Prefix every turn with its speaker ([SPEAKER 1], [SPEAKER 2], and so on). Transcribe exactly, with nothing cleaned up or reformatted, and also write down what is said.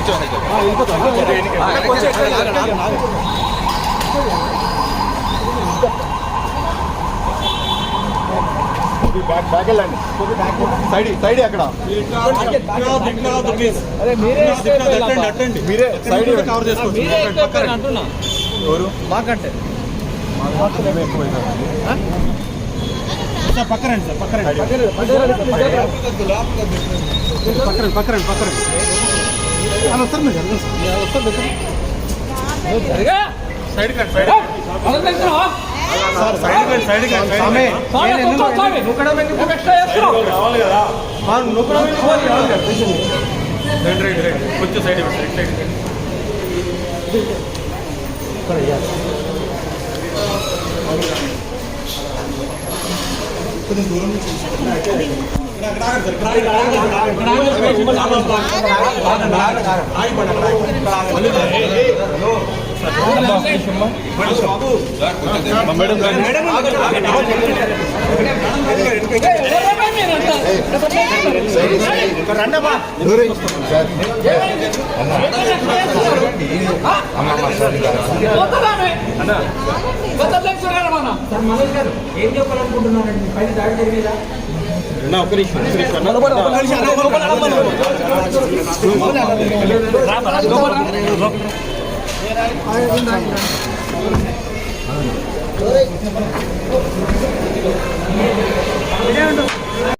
[SPEAKER 1] back back వెళ్ళండి side side అక్కడ మీరే సైడ్ కవర్ చేసుకోండి ఎవరు మాకంటే సార్ పక్కరండి సార్ పక్కరండి పక్కరండి పక్కరండి పక్కరండి అలా వస్తారు మీరు వస్తారు సైడ్ కండి సైడ్ సార్ సైడ్ కండి సైడ్ కండి రావాలి కదా రైట్ రైట్ రైట్ కొంచెం సైడ్ ఇవ్వండి సైడ్ కొంచెం దూరం నుంచి
[SPEAKER 2] ఏం చెప్పాలనుకుంటున్నారండి పైన దాడి జరిగేదా
[SPEAKER 1] ఒక నిమిషం ఒక నిమిషం